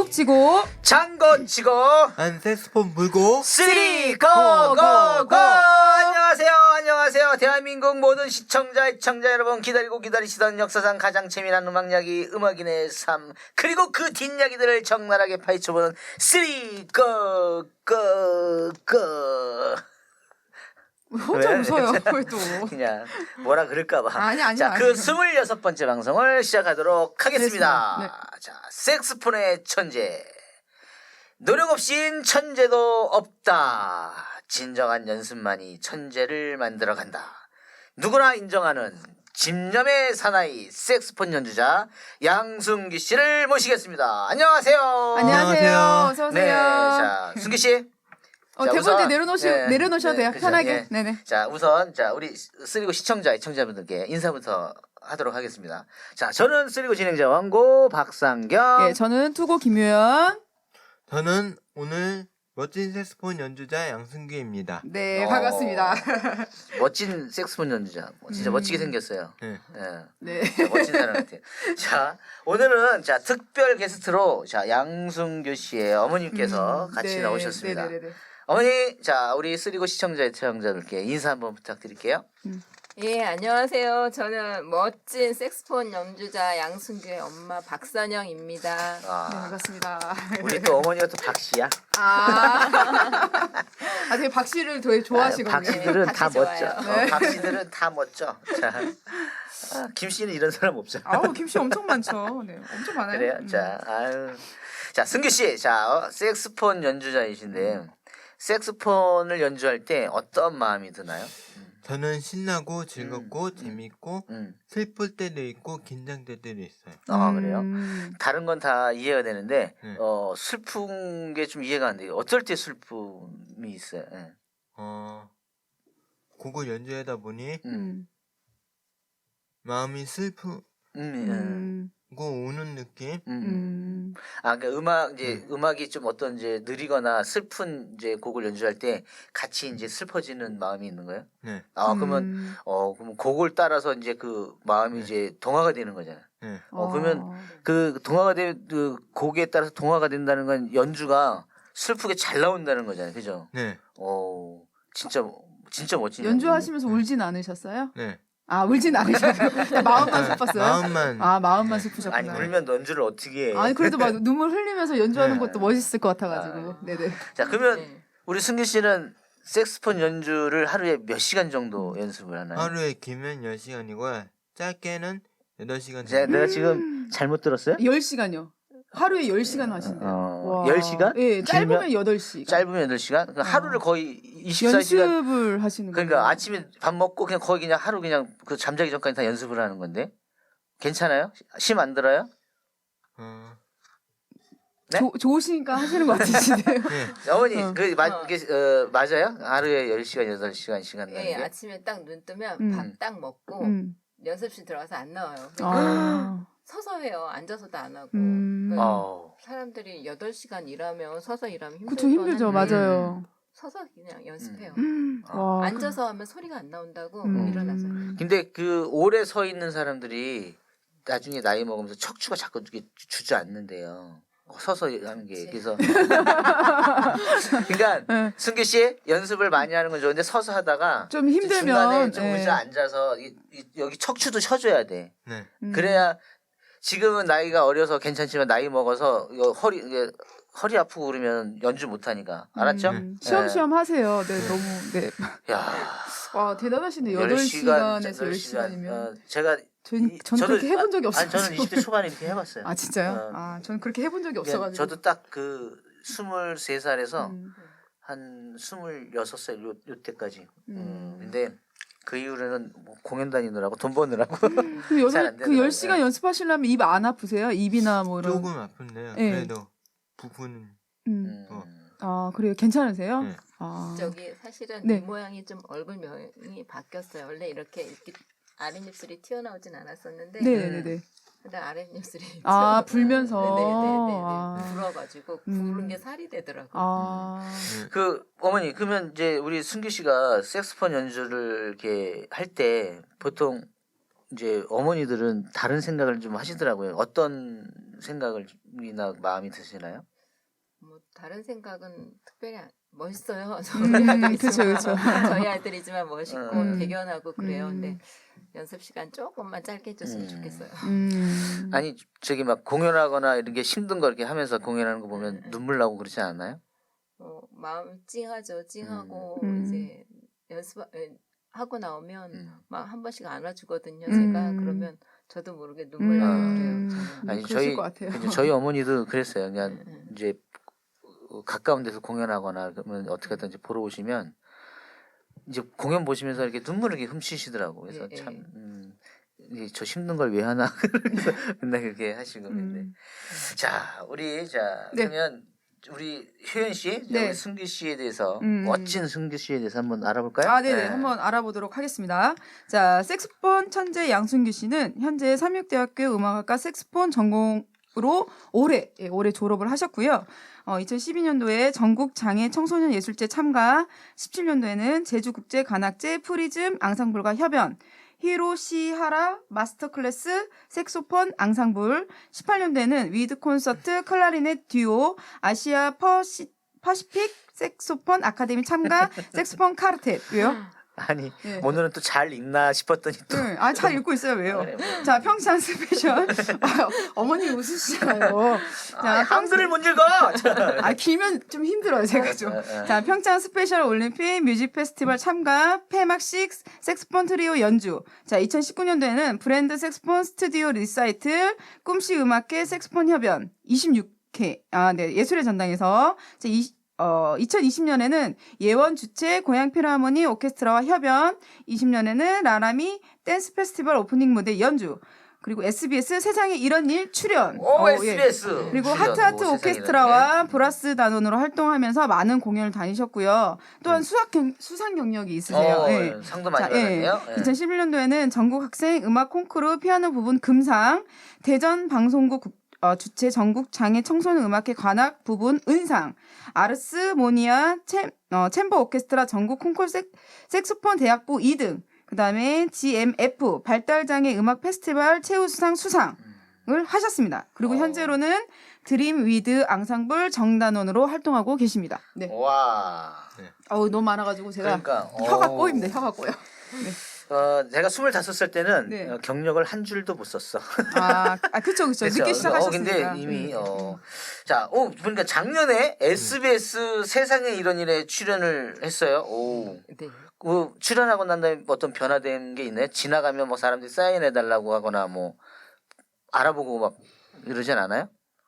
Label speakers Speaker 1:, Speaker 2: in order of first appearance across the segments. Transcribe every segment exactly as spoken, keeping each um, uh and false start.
Speaker 1: 툭 치고
Speaker 2: 장건 치고
Speaker 3: 한 색스폰 불고
Speaker 2: 쓰리 고고고. 안녕하세요 안녕하세요 대한민국 모든 시청자 시청자 여러분, 기다리고 기다리시던 역사상 가장 재미난 음악 이야기, 음악인의 삶, 그리고 그 뒷이야기들을 적나라하게 파헤쳐보는 쓰리 고고고.
Speaker 1: 혼자
Speaker 2: 왜?
Speaker 1: 웃어요. 왜 또?
Speaker 2: 그냥 뭐라 그럴까봐.
Speaker 1: 아니, 아니,
Speaker 2: 자,
Speaker 1: 아니.
Speaker 2: 그 스물여섯 번째 방송을 시작하도록 하겠습니다.
Speaker 1: 네.
Speaker 2: 자, 색스폰의 천재. 노력 없인 천재도 없다. 진정한 연습만이 천재를 만들어간다. 누구나 인정하는 집념의 사나이 색스폰 연주자 양순기 씨를 모시겠습니다. 안녕하세요.
Speaker 1: 안녕하세요. 어서 오세요.
Speaker 2: 네, 자, 순기 씨.
Speaker 1: 어,
Speaker 2: 자,
Speaker 1: 대본 이제
Speaker 2: 우선,
Speaker 1: 내려놓으시,
Speaker 2: 네,
Speaker 1: 내려놓으셔도
Speaker 2: 네,
Speaker 1: 돼요.
Speaker 2: 그죠,
Speaker 1: 편하게.
Speaker 2: 예.
Speaker 1: 네네.
Speaker 2: 자, 우선 자 우리 쓰리고 시청자, 시청자분들께 인사부터 하도록 하겠습니다. 자, 저는 쓰리고 진행자 왕고 박상경.
Speaker 1: 예, 저는 투고 김효연.
Speaker 3: 저는 오늘 멋진 색스폰 연주자 양승규입니다.
Speaker 1: 네,
Speaker 2: 어.
Speaker 1: 반갑습니다.
Speaker 2: 멋진 색스폰 연주자. 뭐 진짜
Speaker 1: 음.
Speaker 2: 멋지게 생겼어요.
Speaker 3: 네.
Speaker 2: 예.
Speaker 1: 네.
Speaker 2: 자, 멋진 사람 같아요. 자, 오늘은 자 특별 게스트로 자 양순규 씨의 어머님께서
Speaker 1: 음,
Speaker 2: 같이
Speaker 1: 네,
Speaker 2: 나오셨습니다.
Speaker 1: 네네네.
Speaker 2: 어머니, 자 우리 쓰리고 시청자, 시청자들께 인사 한번 부탁드릴게요.
Speaker 4: 예, 안녕하세요. 저는 멋진 색스폰 연주자 양순규의 엄마 박선영입니다.
Speaker 2: 아,
Speaker 1: 네, 반갑습니다.
Speaker 2: 우리 또 어머니가 또 박씨야.
Speaker 1: 아, 아 되게 박 씨를 되게 좋아하시거든요.
Speaker 2: 아, 박씨들은
Speaker 4: 네,
Speaker 2: 다
Speaker 4: 박씨
Speaker 2: 멋져.
Speaker 4: 좋아요.
Speaker 2: 어, 박씨들은 다 멋져. 자, 아, 김 씨는 이런 사람 없잖아.
Speaker 1: 아우, 김 씨 엄청 많죠. 네, 엄청 많아요.
Speaker 2: 그래요.
Speaker 1: 음.
Speaker 2: 자, 아유, 자 승규 씨, 자 어, 색스폰 연주자이신데 색스폰을 연주할 때 어떤 마음이 드나요?
Speaker 3: 저는 신나고 즐겁고
Speaker 2: 음,
Speaker 3: 재밌고
Speaker 2: 음,
Speaker 3: 슬플 때도 있고 긴장될 때도 있어요.
Speaker 2: 아 그래요.
Speaker 1: 음.
Speaker 2: 다른 건 다 이해가 되는데
Speaker 3: 네.
Speaker 2: 어 슬픈 게 좀 이해가 안 돼요. 어떨 때 슬픔이 있어요? 예.
Speaker 3: 어, 곡을 연주하다 보니
Speaker 2: 음,
Speaker 1: 음.
Speaker 3: 마음이 슬프고
Speaker 2: 음, 음,
Speaker 1: 음.
Speaker 3: 우는 느낌.
Speaker 2: 음.
Speaker 1: 음.
Speaker 2: 아, 그러니까 음악 이제 음악이 좀 어떤 이제 느리거나 슬픈 이제 곡을 연주할 때 같이 이제 슬퍼지는 마음이 있는 거예요?
Speaker 3: 네,
Speaker 2: 아, 그러면
Speaker 1: 음.
Speaker 2: 어, 그럼 곡을 따라서 이제 그 마음이
Speaker 3: 네.
Speaker 2: 이제 동화가 되는 거잖아요.
Speaker 3: 네.
Speaker 2: 어, 그러면 그 동화가 된 그 곡에 따라서 동화가 된다는 건 연주가 슬프게 잘 나온다는 거잖아요. 그죠?
Speaker 3: 네,
Speaker 2: 어, 진짜 진짜 멋진
Speaker 1: 연주하시면서 울진 않으셨어요?
Speaker 3: 네.
Speaker 1: 아, 울진 않으셨어요. 마음만 슬펐어요?
Speaker 3: 마음만.
Speaker 1: 아, 마음만 슬프셨구나.
Speaker 2: 아니, 울면 연주를 어떻게 해?
Speaker 1: 아니 그래도 막 눈물 흘리면서 연주하는
Speaker 3: 네.
Speaker 1: 것도 멋있을 것 같아가지고. 네네.
Speaker 2: 자, 그러면
Speaker 4: 네.
Speaker 2: 우리 승기 씨는 색스폰 연주를 하루에 몇 시간 정도 연습을 하나요?
Speaker 3: 하루에 길면 열 시간이고 짧게는 여덟 시간
Speaker 2: 제가
Speaker 3: 정도.
Speaker 2: 내가 지금 잘못 들었어요?
Speaker 1: 열 시간요. 하루에 열 시간 하신대요.
Speaker 2: 어, 열 시간?
Speaker 1: 예, 짧으면
Speaker 2: 길면?
Speaker 1: 여덟 시간.
Speaker 2: 짧으면 여덟 시간? 그러니까 하루를 거의 이십사 시간.
Speaker 1: 연습을 하시는 거예요.
Speaker 2: 그러니까 아침에 밥 먹고 그냥 거의 그냥 하루 그냥 그 잠자기 전까지 다 연습을 하는 건데. 괜찮아요? 심 안 들어요?
Speaker 3: 어,
Speaker 2: 네?
Speaker 1: 조, 좋으시니까 하시는 것 같으시네요.
Speaker 3: 네.
Speaker 2: 어머니,
Speaker 1: 어.
Speaker 2: 그, 마,
Speaker 4: 어.
Speaker 2: 이게, 어, 맞아요? 하루에 열 시간, 여덟 시간, 시간 나는
Speaker 4: 예,
Speaker 2: 게?
Speaker 4: 아침에 딱 눈 뜨면
Speaker 1: 음.
Speaker 4: 밥 딱 먹고
Speaker 1: 음.
Speaker 4: 연습실 들어가서 안 나와요.
Speaker 1: 아.
Speaker 4: 서서 해요. 앉아서도 안 하고.
Speaker 1: 음.
Speaker 4: 그러니까
Speaker 2: 어.
Speaker 4: 사람들이 여덟 시간 일하면 서서 일하면 힘들
Speaker 1: 그쵸, 힘들죠.
Speaker 4: 뻔한데
Speaker 1: 맞아요.
Speaker 4: 서서 그냥 연습해요.
Speaker 1: 음.
Speaker 2: 어.
Speaker 1: 와.
Speaker 4: 앉아서 하면 소리가 안 나온다고
Speaker 1: 음.
Speaker 4: 일어나서.
Speaker 2: 근데 그 오래 서 있는 사람들이 나중에 나이 먹으면서 척추가 자꾸 이렇게 주저앉는데요. 서서 하는 게.
Speaker 4: 그치.
Speaker 2: 그래서. 그러니까
Speaker 1: 네.
Speaker 2: 승규 씨 연습을 많이 하는 건 좋은데 서서 하다가
Speaker 1: 좀 힘들면,
Speaker 2: 중간에 좀
Speaker 1: 예.
Speaker 2: 의자 앉아서 이, 이, 여기 척추도 쳐줘야 돼.
Speaker 3: 네.
Speaker 1: 음.
Speaker 2: 그래야 지금은 나이가 어려서 괜찮지만 나이 먹어서 이거 허리 이게 허리 아프고 그러면 연주 못 하니까. 알았죠?
Speaker 1: 음. 시험시험 하세요. 네, 너무, 네.
Speaker 2: 야.
Speaker 1: 와, 대단하시네. 여덟
Speaker 2: 열 시간,
Speaker 1: 시간에서 열 시간이면.
Speaker 2: 어, 제가
Speaker 1: 전,
Speaker 2: 이-
Speaker 1: 저는 그렇게 해본 적이
Speaker 2: 아,
Speaker 1: 없어요.
Speaker 2: 아니 저는 이십 대 초반에 이렇게 해봤어요.
Speaker 1: 아, 진짜요?
Speaker 2: 어.
Speaker 1: 아, 저는 그렇게 해본 적이
Speaker 2: 예,
Speaker 1: 없어가지고.
Speaker 2: 저도 딱 그 스물세 살에서
Speaker 1: 음.
Speaker 2: 한 스물여섯 살 요, 요때까지. 음.
Speaker 1: 음.
Speaker 2: 근데 그 이후로는 뭐 공연 다니느라고 돈 버느라고.
Speaker 1: 그
Speaker 2: 잘안
Speaker 1: 여덟, 그
Speaker 2: 되더라고요.
Speaker 1: 열 시간 연습하시려면 입 안 아프세요? 입이나 뭐 이런.
Speaker 3: 조금 아픈데요.
Speaker 1: 네.
Speaker 3: 그래도 부분은
Speaker 1: 음.
Speaker 2: 음.
Speaker 1: 아, 그래요? 괜찮으세요?
Speaker 3: 네.
Speaker 1: 아.
Speaker 4: 저기 사실은
Speaker 1: 네.
Speaker 4: 입 모양이 좀 얼굴 모양이 바뀌었어요. 원래 이렇게, 이렇게 아랫입술이 튀어나오진 않았었는데
Speaker 1: 네네네.
Speaker 4: 근데 아랫입술이
Speaker 1: 아,
Speaker 4: 튀어나와요.
Speaker 1: 불면서.
Speaker 4: 네네네네.
Speaker 1: 아.
Speaker 4: 불어가지고
Speaker 1: 음.
Speaker 4: 부른 게 살이 되더라고요.
Speaker 1: 아.
Speaker 3: 네.
Speaker 2: 그 어머니 그러면 이제 우리 승규 씨가 색소폰 연주를 이렇게 할 때 보통 이제 어머니들은 다른 생각을 좀 하시더라고요. 어떤 생각이나 마음이 드시나요?
Speaker 4: 뭐 다른 생각은 특별히 안- 멋있어요.
Speaker 1: 음,
Speaker 4: 저희 아들이지만
Speaker 1: 그쵸, 그쵸.
Speaker 4: 저희 아들이지만 멋있고
Speaker 2: 음.
Speaker 4: 대견하고 그래요.
Speaker 1: 음.
Speaker 4: 근데 연습 시간 조금만 짧게 해줬으면
Speaker 2: 음.
Speaker 4: 좋겠어요.
Speaker 1: 음.
Speaker 2: 아니 저기 막 공연하거나 이런 게 힘든 거 이렇게 하면서 공연하는 거 보면
Speaker 4: 음.
Speaker 2: 눈물 나고 그러지 않아요?
Speaker 4: 어, 마음 찡하죠. 찡하고
Speaker 1: 음.
Speaker 4: 이제 연습 에, 하고 나오면
Speaker 2: 음.
Speaker 4: 막 한 번씩 안아주거든요.
Speaker 1: 음.
Speaker 4: 제가 그러면 저도 모르게 눈물 나고
Speaker 1: 음.
Speaker 4: 그래요. 저는.
Speaker 2: 아니
Speaker 1: 그러실
Speaker 2: 저희
Speaker 1: 것 같아요.
Speaker 2: 그냥 저희 어머니도 그랬어요. 그냥
Speaker 4: 음, 음.
Speaker 2: 이제 가까운 데서 공연하거나 그러면 어떻게 하든지 보러 오시면 이제 공연 보시면서 이렇게 눈물을 이렇게 훔치시더라고. 그래서
Speaker 4: 예,
Speaker 2: 참
Speaker 4: 예.
Speaker 2: 음, 이게 저 힘든 걸 왜 하나 그래서 맨날 그렇게 하시고 있는데.
Speaker 1: 음.
Speaker 2: 자 우리 자
Speaker 1: 네.
Speaker 2: 그러면 우리 효연 씨,
Speaker 1: 네.
Speaker 2: 우리 승규 씨에 대해서
Speaker 1: 음.
Speaker 2: 멋진 승규 씨에 대해서 한번 알아볼까요?
Speaker 1: 아, 네네.
Speaker 2: 네.
Speaker 1: 한번 알아보도록 하겠습니다. 자, 색소폰 천재 양순규 씨는 현재 삼육대학교 음악학과 색소폰 전공으로 올해, 예, 올해 졸업을 하셨고요. 어, 이천십이 년도에 전국 장애 청소년 예술제 참가, 십칠 년도에는 제주국제관악제 프리즘 앙상블과 협연, 히로시하라 마스터 클래스 색소폰 앙상블, 십팔 년도에는 위드 콘서트 클라리넷 듀오 아시아 퍼시, 퍼시픽 색소폰 아카데미 참가 색소폰 카르텟. 왜요?
Speaker 2: 아니
Speaker 1: 네.
Speaker 2: 오늘은 또 잘 읽나 싶었더니 또
Speaker 1: 네. 아, 잘 읽고 있어요. 왜요?
Speaker 2: 그래, 뭐.
Speaker 1: 자, 평창 스페셜. 아, 어머니 웃으시잖아요.
Speaker 2: 아, 한글을 못 읽어.
Speaker 1: 아, 길면 좀 힘들어요, 제가 좀.
Speaker 2: 어, 어.
Speaker 1: 자, 평창 스페셜 올림픽 뮤직 페스티벌 참가, 폐막식 색소폰 트리오 연주. 자, 이천십구 년도에는 브랜드 색소폰 스튜디오 리사이틀, 꿈씨 음악회 색소폰 협연 이십육 회. 아, 네, 예술의 전당에서. 자, 이, 어, 이천이십 년에는 예원 주최 고향 필하모니 오케스트라와 협연, 이십 년에는 라라미 댄스 페스티벌 오프닝 무대 연주, 그리고 에스비에스 세상에 이런 일 출연.
Speaker 2: 오
Speaker 1: 어, 예.
Speaker 2: 에스비에스
Speaker 1: 그리고
Speaker 2: 출연.
Speaker 1: 하트하트
Speaker 2: 오,
Speaker 1: 오케스트라와 브라스 단원으로 활동하면서 많은 공연을 다니셨고요. 또한
Speaker 2: 음.
Speaker 1: 수학 경, 수상 경력이
Speaker 2: 세상에.
Speaker 1: 있으세요.
Speaker 2: 어,
Speaker 1: 예.
Speaker 2: 상도 많이
Speaker 1: 자, 예.
Speaker 2: 받았네요. 예.
Speaker 1: 이천십일 년도에는 전국 학생 음악 콩쿠르 피아노 부분 금상, 대전 방송국 국- 어, 주최 전국 장애 청소년 음악회 관악 부분 은상, 아르스 모니아 챔, 어, 챔버 오케스트라 전국 콩쿠르 색, 색소폰 대학부 이 등, 그 다음에 지엠에프 발달장애 음악 페스티벌 최우수상 수상을 하셨습니다. 그리고
Speaker 2: 어.
Speaker 1: 현재로는 드림 위드 앙상블 정단원으로 활동하고 계십니다. 네.
Speaker 2: 와.
Speaker 1: 어우, 너무 많아가지고 제가
Speaker 2: 그러니까
Speaker 1: 혀가
Speaker 2: 어.
Speaker 1: 꼬입니다. 혀가 꼬여.
Speaker 2: 어, 제가 스물다섯 살 때는
Speaker 1: 네.
Speaker 2: 어, 경력을 한 줄도 못 썼어.
Speaker 1: 아, 아 그쵸, 그쵸.
Speaker 2: 그쵸?
Speaker 1: 늦게 시작하셨으니까.
Speaker 2: 어, 근데 이미
Speaker 1: 음.
Speaker 2: 어. 자, 오, 보니까 작년에 에스비에스 세상에 이런 일에 출연을 했어요. 오.
Speaker 4: 네.
Speaker 2: 그 출연하고 난 다음에 어떤 변화된 게 있나요? 지나가면 뭐 사람들이 사인해 달라고 하거나 뭐 알아보고 막 이러진 않아요?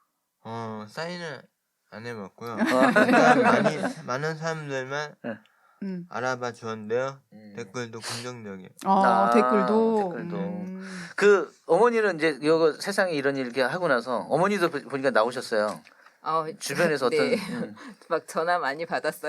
Speaker 3: 어 사인을 안 해봤고요.
Speaker 2: 어.
Speaker 3: 일단 많이 많은 사람들만
Speaker 1: 음.
Speaker 3: 알아봐 주었는데요.
Speaker 2: 음.
Speaker 3: 댓글도 긍정적이에요.
Speaker 1: 아,
Speaker 2: 아,
Speaker 1: 댓글도.
Speaker 2: 댓글도.
Speaker 1: 음.
Speaker 2: 그 어머니는 이제 이거 세상에 이런 일 이렇게 하고 나서 어머니도 보- 보니까 나오셨어요.
Speaker 4: 어,
Speaker 2: 주변에서 어떤
Speaker 4: 네.
Speaker 2: 음,
Speaker 4: 막 전화 많이 받았어요.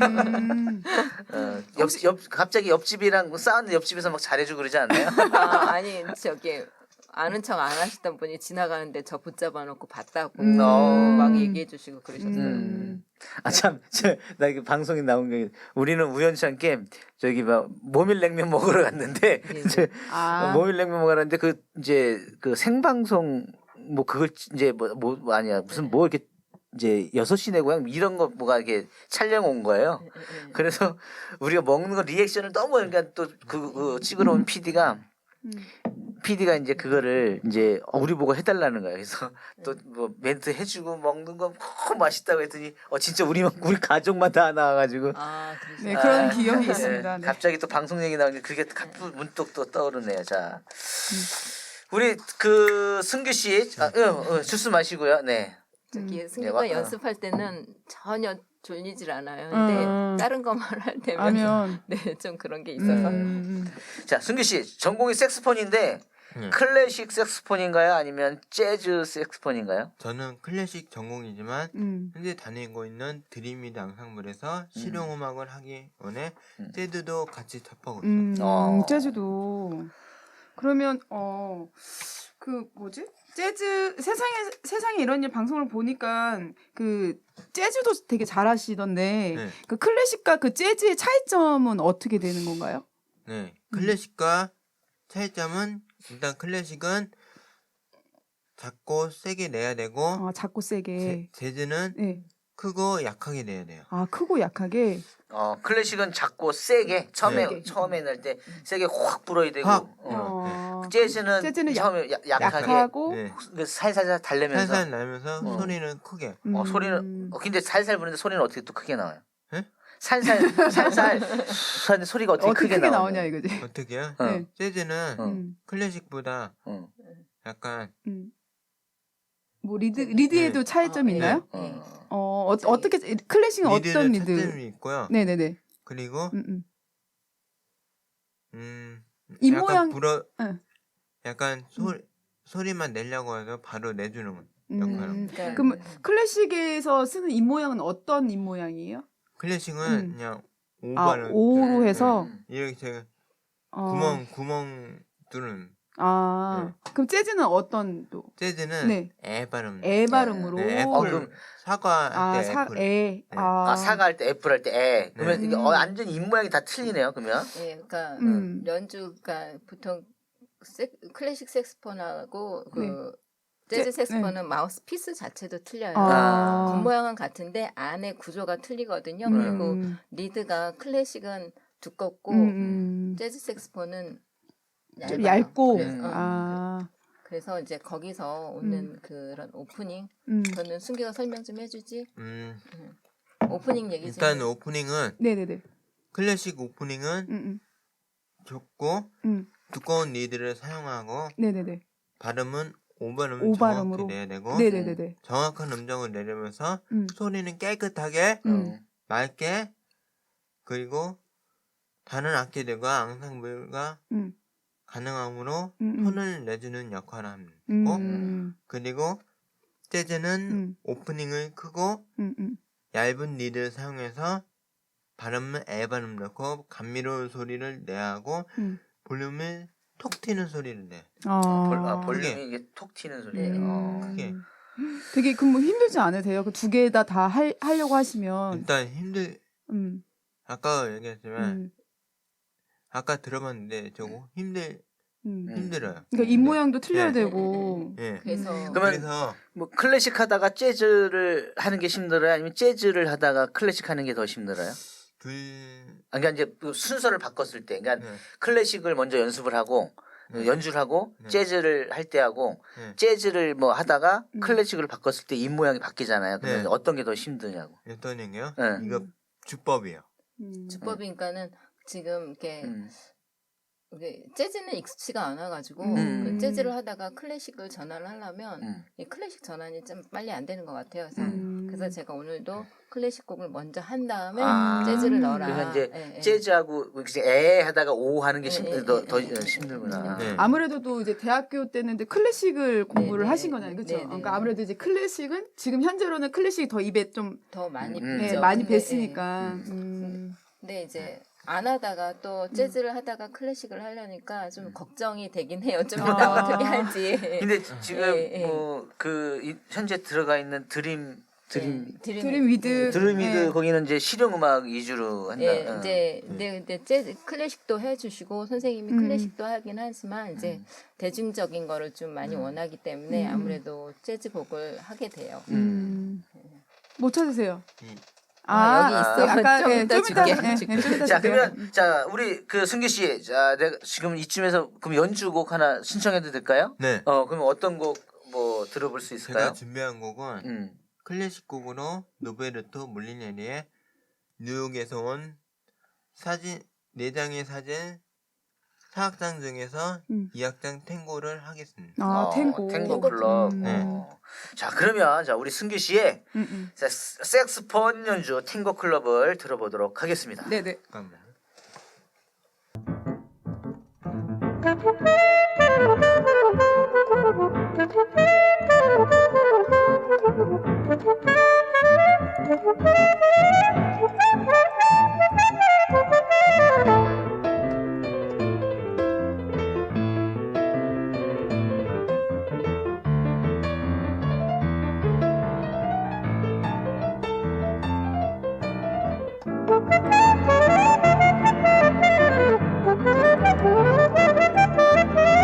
Speaker 1: 음.
Speaker 2: 어, 옆, 옆 갑자기 옆집이랑 싸우는 옆집에서 막 잘해주고 그러지 않나요?
Speaker 4: 아, 아니 저기 아는 척 안 하시던 분이 지나가는데 저 붙잡아 놓고 봤다고
Speaker 1: 음.
Speaker 4: 막 얘기해 주시고 그러셨어요.
Speaker 2: 음. 아참나 이게 방송에 나온 게 우리는 우연치 않게 저기 막 모밀냉면 먹으러 갔는데
Speaker 4: 네.
Speaker 2: 이제
Speaker 1: 아.
Speaker 2: 모밀냉면 먹으러 갔는데 그 이제 그 생방송 뭐 그걸 이제 뭐, 뭐 아니야 무슨 뭐 이렇게 이제 여섯 시내 고향 이런 거 뭐가 이렇게 촬영 온 거예요.
Speaker 4: 네, 네, 네.
Speaker 2: 그래서 우리가 먹는 거 리액션을 너무 그러니까 또 그 그 찍으러 온 피디가
Speaker 1: 음.
Speaker 2: 피디가 이제 그거를 이제 우리 보고 해달라는 거야. 그래서 또 뭐 멘트 해주고 먹는 거 너무 맛있다고 했더니 어 진짜 우리 우리 가족만 다 나와가지고
Speaker 4: 아, 그러시구나.
Speaker 1: 네, 그런
Speaker 2: 아,
Speaker 1: 기억이
Speaker 2: 네.
Speaker 1: 있습니다. 네.
Speaker 2: 갑자기 또 방송 얘기 나오니까 그게 갑자기 문득 또 떠오르네요. 자, 우리 그 승규 씨, 아, 어, 어, 주스 마시고요. 네.
Speaker 4: 저기
Speaker 2: 와-
Speaker 4: 승규가
Speaker 2: 어.
Speaker 4: 연습할 때는 전혀 졸리질 않아요. 근데
Speaker 1: 음.
Speaker 4: 다른 것만 할 때면
Speaker 1: 하면
Speaker 4: 네, 좀 그런 게 있어서
Speaker 1: 음.
Speaker 2: 자, 승규 씨 전공이 색스폰인데
Speaker 3: 네.
Speaker 2: 클래식 색스폰인가요? 아니면 재즈 색스폰인가요?
Speaker 3: 저는 클래식 전공이지만
Speaker 1: 음.
Speaker 3: 현재 다니고 있는 드림이드 앙상블에서 실용음악을 하기 원해
Speaker 2: 음.
Speaker 3: 재즈도 같이 접하고 있어요.
Speaker 1: 음.
Speaker 2: 어.
Speaker 1: 재즈도. 그러면 어 그 뭐지? 재즈 세상에 세상에 이런 일 방송을 보니까 그 재즈도 되게 잘하시던데
Speaker 3: 네.
Speaker 1: 그 클래식과 그 재즈의 차이점은 어떻게 되는 건가요?
Speaker 3: 네, 클래식과 차이점은 일단 클래식은 작고 세게 내야 되고
Speaker 1: 아, 작고 세게.
Speaker 3: 재- 재즈는
Speaker 1: 네.
Speaker 3: 크고 약하게 내야 돼요.
Speaker 1: 아, 크고 약하게.
Speaker 2: 어 클래식은 작고 세게 처음에
Speaker 1: 세게.
Speaker 2: 처음에 낼 때 세게 확 불어야 되고
Speaker 3: 확.
Speaker 2: 어.
Speaker 1: 어.
Speaker 2: 재즈는,
Speaker 1: 재즈는 약-
Speaker 2: 처음에 야- 약하게
Speaker 1: 약하고.
Speaker 3: 네.
Speaker 2: 그 살살 달래면서
Speaker 3: 살살 나면서
Speaker 2: 어.
Speaker 3: 소리는 크게.
Speaker 2: 어,
Speaker 1: 음.
Speaker 2: 소리는 어, 근데 살살 부르는데 소리는 어떻게 또 크게 나와요?
Speaker 3: 예?
Speaker 2: 살살 살살 하는데 소리가 어떻게,
Speaker 1: 어떻게
Speaker 2: 크게,
Speaker 1: 크게
Speaker 2: 나오냐?
Speaker 1: 나오냐 이거지.
Speaker 3: 어떻게요?
Speaker 2: 어.
Speaker 1: 네.
Speaker 3: 재즈는
Speaker 2: 어.
Speaker 1: 음.
Speaker 3: 클래식보다
Speaker 2: 어.
Speaker 3: 약간
Speaker 1: 음. 뭐 리드 리드에도
Speaker 3: 네.
Speaker 1: 차이점
Speaker 4: 어,
Speaker 1: 있나요?
Speaker 4: 네. 네.
Speaker 2: 어.
Speaker 1: 어, 어
Speaker 4: 저기-
Speaker 1: 어떻게 클래식은 어떤
Speaker 3: 리드는
Speaker 1: 리드?
Speaker 3: 차점이 있고요.
Speaker 1: 네, 네, 네.
Speaker 3: 그리고
Speaker 1: 음, 음.
Speaker 3: 음
Speaker 1: 이
Speaker 3: 약간
Speaker 1: 모양-
Speaker 3: 불어
Speaker 1: 응.
Speaker 3: 약간 소 소리만 내려고 해서 바로 내주는 건
Speaker 1: 음.
Speaker 3: 역할은.
Speaker 4: 그러니까
Speaker 1: 그럼 클래식에서 쓰는 입 모양은 어떤 입 모양이에요?
Speaker 3: 클래식은
Speaker 1: 음.
Speaker 3: 그냥
Speaker 1: 아,
Speaker 3: 오바를
Speaker 1: 오로 해서
Speaker 2: 음.
Speaker 3: 이렇게 제가
Speaker 1: 어.
Speaker 3: 구멍 구멍 뚫는.
Speaker 1: 아, 그럼 재즈는 어떤 또?
Speaker 3: 재즈는
Speaker 1: 네.
Speaker 3: 에 발음.
Speaker 1: 애 발음으로.
Speaker 3: 네, 애플.
Speaker 2: 어, 그럼-
Speaker 3: 사과할
Speaker 1: 아,
Speaker 3: 때
Speaker 1: 사,
Speaker 3: 애플.
Speaker 1: 에.
Speaker 3: 네.
Speaker 1: 아,
Speaker 2: 아 사과할 때 애플 할 때 애. 그러면
Speaker 1: 네.
Speaker 2: 이게 어,
Speaker 1: 음.
Speaker 2: 완전 입 모양이 다 틀리네요. 그러면
Speaker 4: 예, 그러니까
Speaker 1: 음.
Speaker 4: 연주가 보통 세, 클래식 색스폰하고 그
Speaker 1: 네.
Speaker 4: 재즈
Speaker 1: 재-
Speaker 4: 색스폰은 마우스 피스 자체도 틀려요.
Speaker 1: 아.
Speaker 4: 겉모양은 같은데 안에 구조가 틀리거든요.
Speaker 1: 음,
Speaker 4: 그리고
Speaker 1: 음,
Speaker 4: 리드가 클래식은 두껍고
Speaker 1: 음, 음.
Speaker 4: 재즈 색스폰은
Speaker 1: 좀
Speaker 4: 얇아요.
Speaker 1: 얇고.
Speaker 4: 그래서, 어,
Speaker 1: 아,
Speaker 4: 그래서 이제 거기서 오는 그런 오프닝
Speaker 1: 음.
Speaker 4: 그거는 순기가 설명 좀 해주지.
Speaker 3: 음,
Speaker 4: 오프닝 얘기 좀.
Speaker 3: 일단
Speaker 4: 해.
Speaker 3: 오프닝은
Speaker 1: 네네네.
Speaker 3: 클래식 오프닝은
Speaker 1: 음, 음,
Speaker 3: 좁고
Speaker 1: 음.
Speaker 3: 두꺼운 리드를 사용하고
Speaker 1: 네네네.
Speaker 3: 발음은 오발음을
Speaker 1: 오발음으로.
Speaker 3: 정확히 내야 되고
Speaker 1: 네네네네.
Speaker 3: 정확한 음정을 내려면서
Speaker 1: 음.
Speaker 3: 소리는 깨끗하게
Speaker 1: 음.
Speaker 2: 어.
Speaker 3: 맑게 그리고 다른 악기들과 앙상블과
Speaker 1: 음.
Speaker 3: 가능함으로
Speaker 1: 음, 음.
Speaker 3: 톤을 내주는 역할을 하고
Speaker 1: 음.
Speaker 3: 그리고 재즈는
Speaker 1: 음.
Speaker 3: 오프닝을 크고
Speaker 1: 음, 음.
Speaker 3: 얇은 리드를 사용해서 발음은 애 발음 넣고 감미로운 소리를 내야 하고
Speaker 1: 음.
Speaker 3: 볼륨을 톡 튀는 소리를 내.
Speaker 1: 아.
Speaker 2: 볼, 아, 볼륨이
Speaker 3: 크게.
Speaker 2: 이게 톡 튀는 소리예요.
Speaker 4: 네.
Speaker 2: 어.
Speaker 3: 크게.
Speaker 1: 되게 그뭐 힘들지 않으세요? 그 두 개 다 다 하려고 하시면.
Speaker 3: 일단 힘들
Speaker 1: 음.
Speaker 3: 아까 얘기했지만
Speaker 1: 음.
Speaker 3: 아까 들어봤는데 저거 힘들
Speaker 1: 음.
Speaker 2: 음.
Speaker 3: 힘들어요.
Speaker 1: 그러니까 입 모양도 틀려야
Speaker 3: 네.
Speaker 1: 되고.
Speaker 3: 예.
Speaker 4: 그래서
Speaker 1: 음.
Speaker 2: 그러면-
Speaker 3: 그래서
Speaker 2: 뭐 클래식 하다가 재즈를 하는 게 힘들어요? 아니면 재즈를 하다가 클래식 하는 게 더 힘들어요?
Speaker 3: 둘
Speaker 2: 아, 그러니까 이제 그 순서를 바꿨을 때, 그러니까
Speaker 3: 네.
Speaker 2: 클래식을 먼저 연습을 하고
Speaker 3: 네.
Speaker 2: 연주를 하고
Speaker 3: 네.
Speaker 2: 재즈를 할 때 하고
Speaker 3: 네.
Speaker 2: 재즈를 뭐 하다가
Speaker 1: 음.
Speaker 2: 클래식을 바꿨을 때 입 모양이 바뀌잖아요. 그러면
Speaker 3: 네.
Speaker 2: 어떤 게 더 힘드냐고.
Speaker 3: 어떤 얘기요?
Speaker 2: 네.
Speaker 3: 이거 주법이에요.
Speaker 1: 음.
Speaker 4: 주법이니까는 지금 이렇게
Speaker 2: 음.
Speaker 4: 이게 재즈는 익숙치가 않아가지고
Speaker 2: 음.
Speaker 4: 그 재즈를 하다가 클래식을 전환을 하려면
Speaker 2: 음.
Speaker 4: 이 클래식 전환이 좀 빨리 안 되는 것 같아요. 그래서,
Speaker 1: 음.
Speaker 4: 그래서 제가 오늘도 클래식 곡을 먼저 한 다음에
Speaker 2: 아.
Speaker 4: 재즈를 넣어라.
Speaker 2: 그래서 이제
Speaker 4: 예, 예.
Speaker 2: 재즈하고 이제 에 하다가 오 하는 게
Speaker 4: 예,
Speaker 2: 심,
Speaker 4: 예,
Speaker 2: 더,
Speaker 4: 예,
Speaker 2: 더
Speaker 4: 예, 예.
Speaker 2: 힘들구나.
Speaker 3: 네.
Speaker 1: 아무래도 또 이제 대학교 때는 이제 클래식을 공부를
Speaker 4: 네,
Speaker 1: 하신
Speaker 4: 네,
Speaker 1: 거잖아요.
Speaker 4: 네,
Speaker 1: 그렇죠?
Speaker 4: 네, 네.
Speaker 1: 그러니까 아무래도 이제 클래식은 지금 현재로는 클래식이 더 입에 좀
Speaker 4: 더 많이
Speaker 2: 음.
Speaker 1: 네,
Speaker 4: 죠
Speaker 1: 많이
Speaker 4: 근데,
Speaker 1: 뱄으니까.
Speaker 2: 음.
Speaker 1: 음.
Speaker 4: 예. 근데 이제 안 하다가 또 재즈를 하다가 클래식을 하려니까 좀 걱정이 되긴 해요. 좀
Speaker 1: 아.
Speaker 4: 이따 어떻게 할지.
Speaker 2: 근데 지금
Speaker 4: 예, 예.
Speaker 2: 뭐 그 현재 들어가 있는 드림 드림
Speaker 4: 예, 드림,
Speaker 1: 드림 위드.
Speaker 2: 드림이드
Speaker 1: 네.
Speaker 2: 거기는 이제 실용 음악 위주로 한다.
Speaker 4: 예,
Speaker 2: 어.
Speaker 4: 이제 근데, 근데 재즈 클래식도 해주시고 선생님이
Speaker 1: 음.
Speaker 4: 클래식도 하긴 하지만 이제
Speaker 2: 음.
Speaker 4: 대중적인 거를 좀 많이
Speaker 2: 음.
Speaker 4: 원하기 때문에
Speaker 1: 음.
Speaker 4: 아무래도 재즈 곡을 하게 돼요.
Speaker 1: 음. 뭐 찾으세요?
Speaker 3: 이-
Speaker 4: 아, 여기 있어.
Speaker 1: 아까
Speaker 4: 좀
Speaker 1: 예,
Speaker 4: 이따
Speaker 1: 좀 이따
Speaker 4: 줄게.
Speaker 1: 예,
Speaker 4: 줄게.
Speaker 1: 예, 좀 이따
Speaker 2: 자
Speaker 1: 줄게요.
Speaker 2: 그러면 자 우리 그 승기 씨, 자 내가 지금 이쯤에서 그럼 연주곡 하나 신청해도 될까요?
Speaker 3: 네.
Speaker 2: 어 그러면 어떤 곡 뭐 들어볼 수 있을까요?
Speaker 3: 제가 준비한 곡은
Speaker 2: 음.
Speaker 3: 클래식 곡으로 노베르토 몰리네리의 뉴욕에서 온 사진 네 장의 사진 사 악장 중에서
Speaker 1: 음.
Speaker 3: 이 악장 탱고를 하겠습니다.
Speaker 1: 아,
Speaker 2: 어,
Speaker 1: 탱고.
Speaker 2: 탱고 클럽.
Speaker 1: 음.
Speaker 2: 어. 자 그러면 자 우리 승기 씨의
Speaker 1: 음, 음.
Speaker 2: 자, 색스폰 연주 탱고 클럽을 들어보도록 하겠습니다.
Speaker 1: 네, 네.
Speaker 3: 잠깐만.
Speaker 5: Thank you.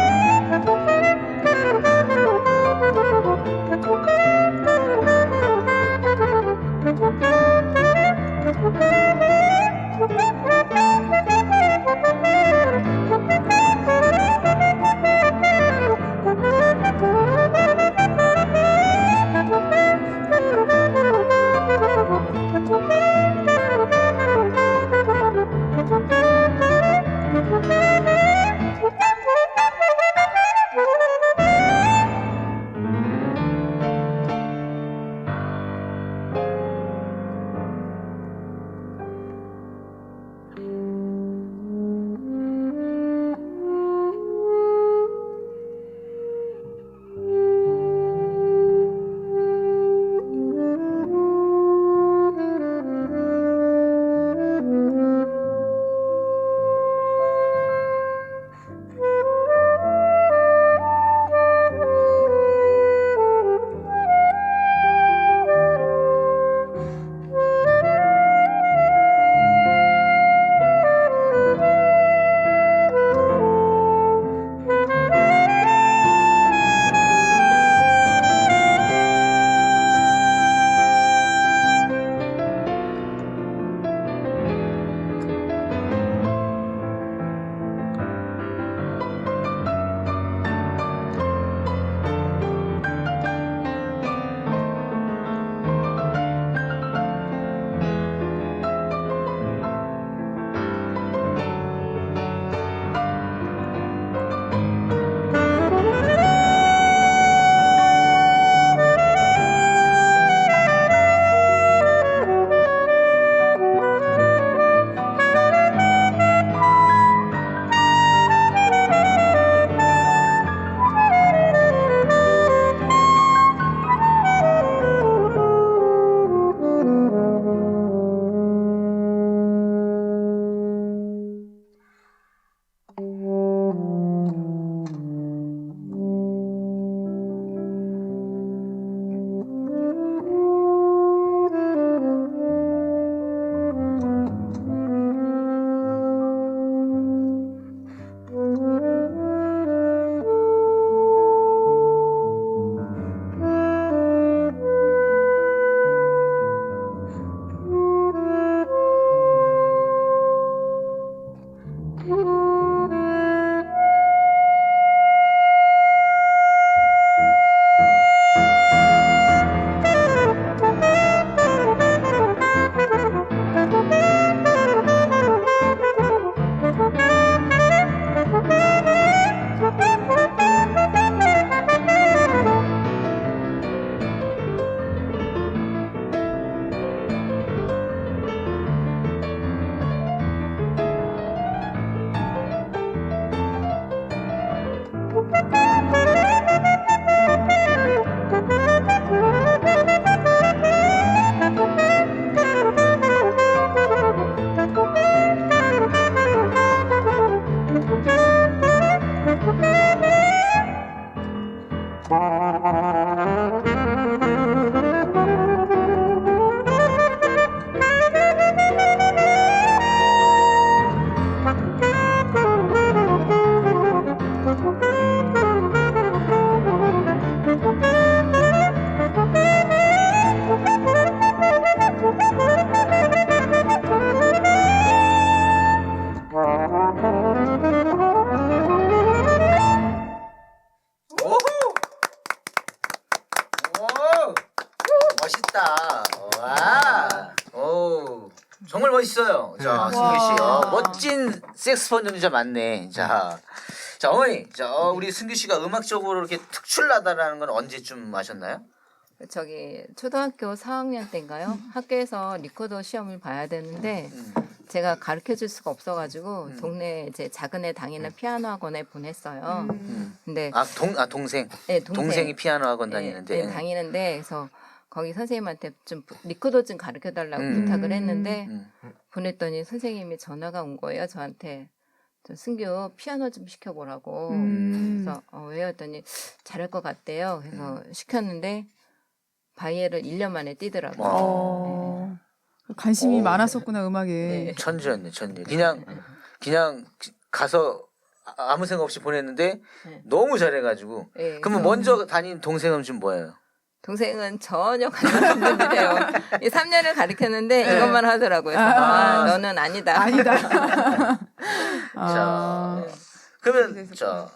Speaker 2: 멋있다. 와. 오. 정말 멋있어요. 자,
Speaker 3: 네.
Speaker 2: 승규 씨. 어,
Speaker 1: 와.
Speaker 2: 멋진 색스폰 연주자 많네. 자. 자, 어머니. 자, 어, 우리 승규 씨가 음악적으로 이렇게 특출나다라는 건 언제쯤 아셨나요?
Speaker 4: 저기 초등학교 사 학년 때인가요? 학교에서 리코더 시험을 봐야 되는데
Speaker 2: 음.
Speaker 4: 제가 가르쳐 줄 수가 없어가지고
Speaker 2: 음.
Speaker 4: 동네 이제 작은 애 다니는 피아노 학원에 보냈어요.
Speaker 1: 음.
Speaker 4: 근데
Speaker 2: 아, 동, 아, 동생.
Speaker 4: 네, 동생.
Speaker 2: 동생이 피아노 학원
Speaker 4: 네,
Speaker 2: 다니는데.
Speaker 4: 네, 다니는데 그래서 거기 선생님한테 좀 리코더 좀 가르쳐 달라고
Speaker 2: 음.
Speaker 4: 부탁을 했는데
Speaker 2: 음.
Speaker 4: 보냈더니 선생님이 전화가 온 거예요. 저한테 저 승규 피아노 좀 시켜보라고.
Speaker 1: 음.
Speaker 4: 그래서 어, 왜요? 했더니 잘할 것 같대요. 그래서
Speaker 2: 음.
Speaker 4: 시켰는데 바이엘을 일 년 만에 뛰더라고요.
Speaker 1: 어. 관심이
Speaker 2: 어.
Speaker 1: 많았었구나 음악에.
Speaker 4: 네.
Speaker 2: 천재였네, 천재. 그냥, 그냥 가서 아- 아무 생각 없이 보냈는데
Speaker 4: 네.
Speaker 2: 너무 잘해가지고.
Speaker 4: 네,
Speaker 2: 그러면
Speaker 4: 그래서
Speaker 2: 먼저 다닌 동생은 지금 뭐예요?
Speaker 4: 동생은 전혀 관심 없는 듯해요. 이 삼 년을 가르쳤는데
Speaker 2: 네.
Speaker 4: 이것만 하더라고요. 그래서
Speaker 1: 아.
Speaker 4: 아, 너는 아니다.
Speaker 1: 아니다.
Speaker 2: 자,
Speaker 1: 아.
Speaker 2: 그러면
Speaker 1: 그래서
Speaker 2: 자,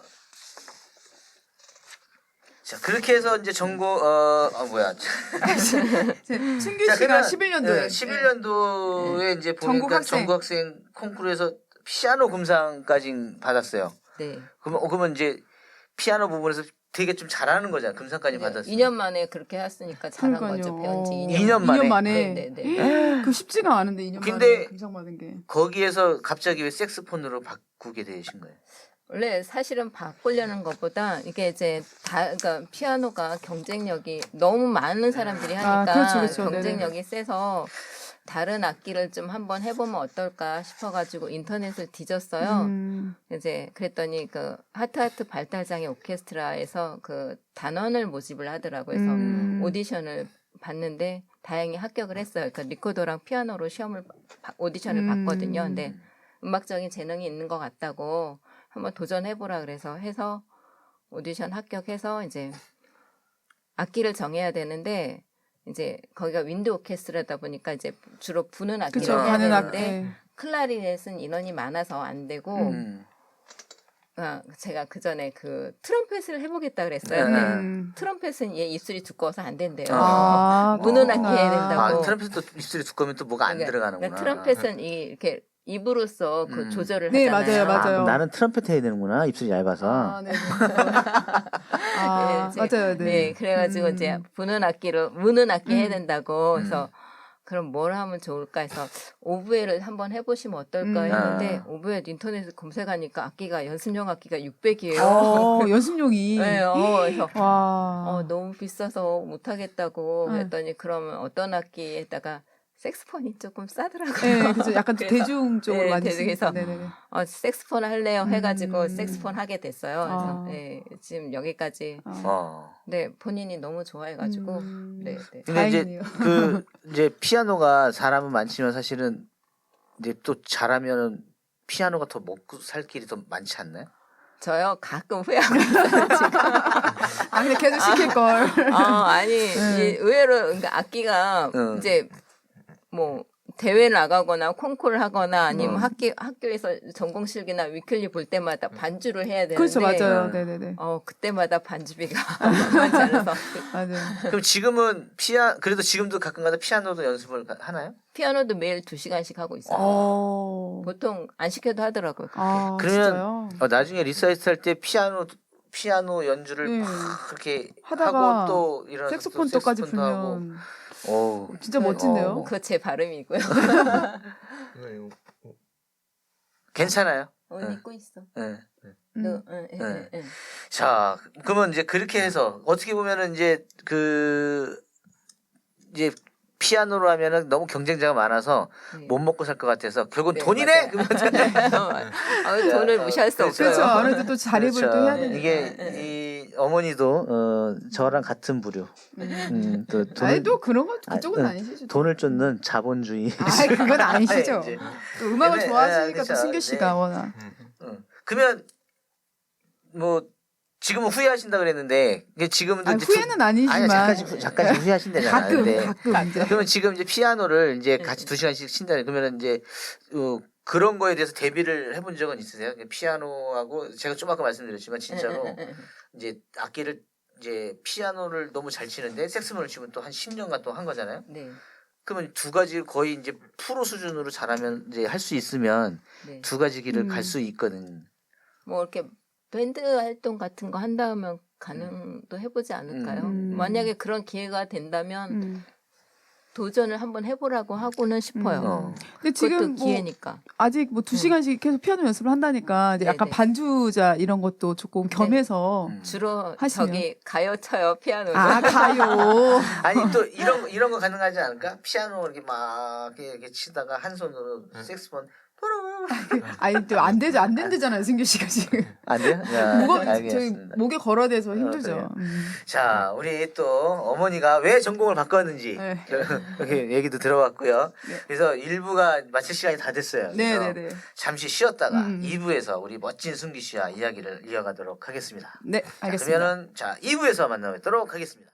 Speaker 2: 자 그렇게 해서 이제 전공 어, 아 뭐야?
Speaker 1: 승규
Speaker 2: 자,
Speaker 1: 씨가
Speaker 2: 그러면,
Speaker 1: 십일 년도에
Speaker 2: 네, 십일 년도에 이제 보니까
Speaker 1: 전국 학생.
Speaker 2: 전국 학생 콩쿠르에서 피아노 금상까지 받았어요.
Speaker 4: 네.
Speaker 2: 그러면 어, 그러면 이제 피아노 부분에서 되게 좀 잘하는 거잖아. 금상까지 받았어.
Speaker 4: 이 년 만에 그렇게 했으니까 잘한
Speaker 1: 그러니까요.
Speaker 4: 거죠. 배운 지
Speaker 1: 어.
Speaker 4: 이
Speaker 2: 이
Speaker 4: 년.
Speaker 2: 년 만에.
Speaker 1: 이 년 만에.
Speaker 4: 네, 네, 네.
Speaker 1: 그 쉽지가 않은데 이 년
Speaker 2: 근데
Speaker 1: 만에 금상 받은 게.
Speaker 2: 거기에서 갑자기 왜 색스폰으로 바꾸게 되신 거예요?
Speaker 4: 원래 사실은 바꾸려는 것보다 이게 이제 다 그러니까 피아노가 경쟁력이 너무 많은 사람들이 하니까
Speaker 1: 아, 그렇죠, 그렇죠.
Speaker 4: 경쟁력이 세서 다른 악기를 좀 한번 해보면 어떨까 싶어가지고 인터넷을 뒤졌어요.
Speaker 1: 음.
Speaker 4: 이제 그랬더니 그 하트하트 발달장애 오케스트라에서 그 단원을 모집을 하더라고요. 그래서
Speaker 1: 음.
Speaker 4: 오디션을 봤는데 다행히 합격을 했어요. 그러니까 리코더랑 피아노로 시험을 바- 오디션을
Speaker 1: 음.
Speaker 4: 봤거든요. 근데 음악적인 재능이 있는 것 같다고 한번 도전해보라 그래서 해서 오디션 합격해서 이제 악기를 정해야 되는데 이제 거기가 윈드 오케스트라다 보니까 이제 주로 부는 악기를
Speaker 1: 그쵸.
Speaker 4: 해야
Speaker 1: 가는
Speaker 4: 되는데
Speaker 1: 악기.
Speaker 4: 클라리넷은 인원이 많아서 안 되고
Speaker 2: 음.
Speaker 4: 아, 제가 그 전에 그 트럼펫을 해보겠다 그랬어요.
Speaker 2: 네.
Speaker 4: 근데
Speaker 1: 음.
Speaker 4: 트럼펫은 얘 입술이 두꺼워서 안 된대요.
Speaker 1: 아,
Speaker 4: 무는
Speaker 1: 그렇구나.
Speaker 4: 악기 해야 된다고.
Speaker 2: 아 트럼펫도 입술이 두꺼우면 또 뭐가 안
Speaker 4: 그러니까-
Speaker 2: 들어가는구나.
Speaker 4: 그러니까 트럼펫은 이 이렇게 입으로써 그
Speaker 2: 음.
Speaker 4: 조절을
Speaker 1: 네,
Speaker 4: 하잖아요.
Speaker 1: 맞아요, 맞아요.
Speaker 2: 아, 나는 트럼펫 해야 되는구나. 입술이 얇아서.
Speaker 1: 아, 네. 아,
Speaker 4: 네, 이제-
Speaker 1: 맞아요, 네.
Speaker 4: 네, 그래가지고
Speaker 1: 음.
Speaker 4: 이제 부는 악기로 무는 악기 해야
Speaker 1: 음.
Speaker 4: 된다고. 그래서
Speaker 2: 음.
Speaker 4: 그럼 뭘 하면 좋을까 해서 오브에를 한번 해보시면 어떨까
Speaker 1: 음.
Speaker 4: 했는데
Speaker 2: 아.
Speaker 4: 오브에 인터넷에 검색하니까 악기가 연습용 악기가 육백이에요.
Speaker 1: 어, 연습용이.
Speaker 4: 네, 어, 그래서
Speaker 1: 와.
Speaker 4: 어, 너무 비싸서 못하겠다고
Speaker 1: 네.
Speaker 4: 했더니 그러면 어떤 악기에다가 색스폰이 조금 싸더라고요.
Speaker 1: 네, 그죠. 약간
Speaker 4: 그래서-
Speaker 1: 대중적으로
Speaker 4: 네,
Speaker 1: 많이
Speaker 4: 대중에서
Speaker 1: 쓰니까. 네네네.
Speaker 4: 어, 색스폰 할래요 해가지고
Speaker 1: 음.
Speaker 4: 색스폰 하게 됐어요. 그래서
Speaker 1: 아.
Speaker 4: 예, 지금 여기까지.
Speaker 1: 아.
Speaker 2: 어.
Speaker 4: 네, 본인이 너무 좋아해가지고
Speaker 1: 음.
Speaker 4: 네, 네.
Speaker 2: 근데 이제
Speaker 1: 다행이네요.
Speaker 2: 그 이제 피아노가 사람은 많지만 사실은 이제 또 잘하면은 피아노가 더 먹고 살 길이 더 많지 않나요?
Speaker 4: 저요 가끔 후회하고 있어요 지금.
Speaker 1: 아, 근데 계속 시킬 걸.
Speaker 4: 어, 아니
Speaker 1: 네.
Speaker 4: 이 의외로 그러니까 악기가
Speaker 2: 응.
Speaker 4: 이제 뭐 대회 나가거나 콩쿠르 하거나 아니면
Speaker 2: 어.
Speaker 4: 학교 학교에서 전공실기나 위클리 볼 때마다 반주를 해야 되는데
Speaker 1: 그렇죠, 맞아요.
Speaker 2: 네.
Speaker 1: 네네네.
Speaker 4: 어 그때마다 반주비가 많지 않아서
Speaker 1: 맞아요.
Speaker 2: 그럼 지금은 피아 그래도 지금도 가끔가다 피아노도 연습을 가- 하나요?
Speaker 4: 피아노도 매일 두 시간씩 하고 있어요.
Speaker 1: 어.
Speaker 4: 보통 안 시켜도 하더라고요.
Speaker 1: 아,
Speaker 2: 그러면
Speaker 1: 진짜요?
Speaker 2: 어, 나중에 리사이트 할 때 피아노 피아노 연주를
Speaker 1: 네.
Speaker 2: 팍 그렇게
Speaker 1: 하다가
Speaker 2: 하고 또 이런
Speaker 1: 색소폰 또까지 불면
Speaker 2: 오
Speaker 1: 진짜 멋진데요.
Speaker 2: 어.
Speaker 4: 그거 제 발음이고요.
Speaker 3: 이거 이거 어,
Speaker 2: 괜찮아요.
Speaker 4: 어,
Speaker 2: 응.
Speaker 4: 믿고 있어.
Speaker 2: 네.
Speaker 1: 음.
Speaker 4: 응, 응, 응,
Speaker 2: 네.
Speaker 4: 응.
Speaker 2: 자, 그러면 이제 그렇게 해서 어떻게 보면은 이제 그 이제 피아노로 하면은 너무 경쟁자가 많아서
Speaker 4: 네.
Speaker 2: 못 먹고 살 것 같아서 결국
Speaker 4: 네,
Speaker 2: 돈이네.
Speaker 4: 맞아요.
Speaker 2: 그러면
Speaker 4: 아, 돈을 무시할 수
Speaker 2: 그렇죠.
Speaker 1: 그렇죠.
Speaker 4: 없어요.
Speaker 1: 아무래도 또 자립을 또 해야 되니까.
Speaker 2: 이게 이 어머니도 어, 저랑 같은 부류.
Speaker 1: 음.
Speaker 2: 음, 또 돈을
Speaker 1: 아니 또 그런 거 그쪽은
Speaker 2: 아,
Speaker 1: 아, 니시죠
Speaker 2: 돈을 쫓는 자본주의.
Speaker 1: 아, 그건 아니시죠.
Speaker 2: 이제.
Speaker 1: 또 음악을
Speaker 2: 네,
Speaker 1: 좋아하시니까
Speaker 2: 네,
Speaker 1: 또
Speaker 2: 그렇죠.
Speaker 1: 승규 씨가
Speaker 2: 네.
Speaker 1: 워낙.
Speaker 2: 응. 그러면 뭐 지금은 후회하신다 그랬는데 이게 지금도
Speaker 1: 아니,
Speaker 2: 이제
Speaker 1: 후회는 아니지만
Speaker 2: 아니 잠깐씩 잠깐씩 후회하신다는
Speaker 1: 가끔
Speaker 2: 아는데
Speaker 1: 가끔 이제.
Speaker 2: 그러면 지금 이제 피아노를 이제
Speaker 4: 네.
Speaker 2: 같이 두 시간씩 친다 그러면 이제 어, 그런 거에 대해서 대비를 해본 적은 있으세요? 피아노하고 제가 좀 아까 말씀드렸지만 진짜로
Speaker 4: 응, 응, 응, 응.
Speaker 2: 이제 악기를 이제 피아노를 너무 잘 치는데 색스폰을 치고 또 한 십 년간 또 한 거잖아요.
Speaker 4: 네.
Speaker 2: 그러면 두 가지 거의 이제 프로 수준으로 잘하면 이제 할 수 있으면
Speaker 4: 네.
Speaker 2: 두 가지 길을
Speaker 1: 음.
Speaker 2: 갈 수 있거든.
Speaker 4: 뭐 이렇게 밴드 활동 같은 거 한다면 가능도 해보지 않을까요?
Speaker 1: 음.
Speaker 4: 만약에 그런 기회가 된다면
Speaker 1: 음.
Speaker 4: 도전을 한번 해보라고 하고는 싶어요.
Speaker 1: 음.
Speaker 2: 어.
Speaker 1: 근데
Speaker 4: 그것도
Speaker 1: 지금 뭐
Speaker 4: 기회니까.
Speaker 1: 아직 뭐 두 시간씩 계속 피아노 연습을 한다니까 이제 약간
Speaker 4: 네네.
Speaker 1: 반주자 이런 것도 조금 겸해서
Speaker 2: 음.
Speaker 4: 주로
Speaker 1: 하시면.
Speaker 4: 저기 가요 쳐요 피아노를.
Speaker 1: 아 가요.
Speaker 2: 아니 또 이런 거- 이런 거 가능하지 않을까? 피아노 이렇게 막 이렇게, 이렇게 치다가 한 손으로 색스폰
Speaker 1: 아니 또 안 되죠 안 된대잖아요 승규 씨가 지금.
Speaker 2: 안 돼요? 야,
Speaker 1: 목어 저희
Speaker 2: 알겠습니다.
Speaker 1: 목에 걸어대서
Speaker 2: 어,
Speaker 1: 힘들죠.
Speaker 2: 그래요?
Speaker 1: 음.
Speaker 2: 자, 우리 또 어머니가 왜 전공을 바꿨는지
Speaker 1: 네.
Speaker 2: 이렇게 얘기도 들어봤고요.
Speaker 1: 네.
Speaker 2: 그래서 일 부가 마칠 시간이 다 됐어요. 그래서
Speaker 1: 네네네.
Speaker 2: 잠시 쉬었다가
Speaker 1: 음.
Speaker 2: 이 부에서 우리 멋진 승기 씨와 이야기를 이어가도록 하겠습니다.
Speaker 1: 네
Speaker 2: 자,
Speaker 1: 알겠습니다.
Speaker 2: 그러면은 자 이 부에서 만나뵙도록 하겠습니다.